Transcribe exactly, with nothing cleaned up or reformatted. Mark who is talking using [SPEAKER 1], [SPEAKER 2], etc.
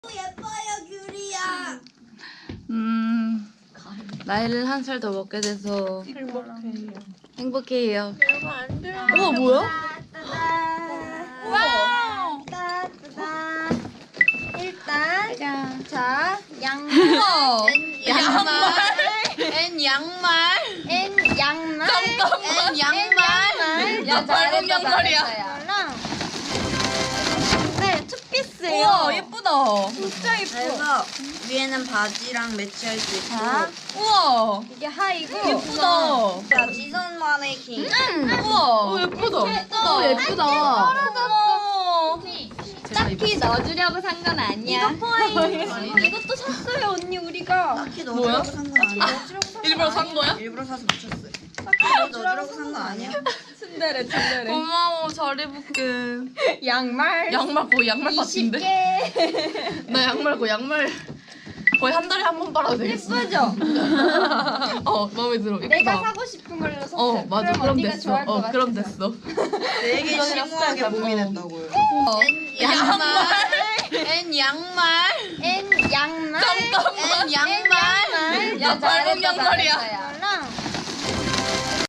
[SPEAKER 1] 예뻐요, 귤이야.
[SPEAKER 2] 음, 나이를 한 살 더 먹게 돼서
[SPEAKER 3] 행복해요.
[SPEAKER 2] 행복해요.
[SPEAKER 3] 이러면 안 돼요.
[SPEAKER 2] 우와, 뭐야?
[SPEAKER 1] 와우. 따따따. 일단
[SPEAKER 2] 짠.
[SPEAKER 1] 자 양말,
[SPEAKER 2] 우와.
[SPEAKER 1] 양말,
[SPEAKER 2] 엔 양말.
[SPEAKER 1] N 양말,
[SPEAKER 2] 잠깐만.
[SPEAKER 1] N 양말.
[SPEAKER 2] 야, 발목 양말이야.
[SPEAKER 1] 랑 네, 투피스예요.
[SPEAKER 2] 우와, 예쁘다.
[SPEAKER 1] 진짜 예뻐.
[SPEAKER 4] 그래서 위에는 바지랑 매치할 수 있고
[SPEAKER 1] 자,
[SPEAKER 2] 우와,
[SPEAKER 1] 이게 하이고
[SPEAKER 2] 예쁘다.
[SPEAKER 4] 자 지선 마네킹
[SPEAKER 2] 우와. 오, 예쁘다. 예쁘다. 오, 예쁘다.
[SPEAKER 1] 떨어졌어.
[SPEAKER 2] 딱히
[SPEAKER 1] 넣어주려고 산 건 아니야. 이거 포인트. 이것도 샀어요, 언니 우리가.
[SPEAKER 4] 딱히
[SPEAKER 2] 뭐야?
[SPEAKER 4] 넣어주라고 산 건 아니야.
[SPEAKER 2] 일부러 산 거야?
[SPEAKER 4] 일부러 사서 붙였어요. 딱히 넣어주라고 산 건 아니야.
[SPEAKER 1] 츤데레 츤데레.
[SPEAKER 2] 고마워, 잘 입을게.
[SPEAKER 1] 양말.
[SPEAKER 2] 양말 거의 양말
[SPEAKER 1] 이십
[SPEAKER 2] 같은데?
[SPEAKER 1] 개.
[SPEAKER 2] 나 양말 거의 양말 거의 한 달에 한 번 빨아도 되겠어.
[SPEAKER 1] 예쁘죠?
[SPEAKER 2] 어, 마음에 들어. 예쁘다.
[SPEAKER 1] 내가 사고 싶은 걸로 샀어.
[SPEAKER 2] 어, 맞아. 그럼,
[SPEAKER 1] 언니가
[SPEAKER 2] 됐어.
[SPEAKER 1] 좋아할 것
[SPEAKER 2] 어, 그럼
[SPEAKER 1] 같아서.
[SPEAKER 2] 됐어.
[SPEAKER 4] 되게
[SPEAKER 2] 이거는
[SPEAKER 4] 심오하게
[SPEAKER 2] 약간-
[SPEAKER 4] 고민했다고요.
[SPEAKER 2] 어.
[SPEAKER 1] 양말.
[SPEAKER 2] 엔 양말.
[SPEAKER 1] N 양말.
[SPEAKER 2] 잠깐만.
[SPEAKER 1] N 양말.
[SPEAKER 2] 야, 발목 양말이야.
[SPEAKER 1] 잘했어.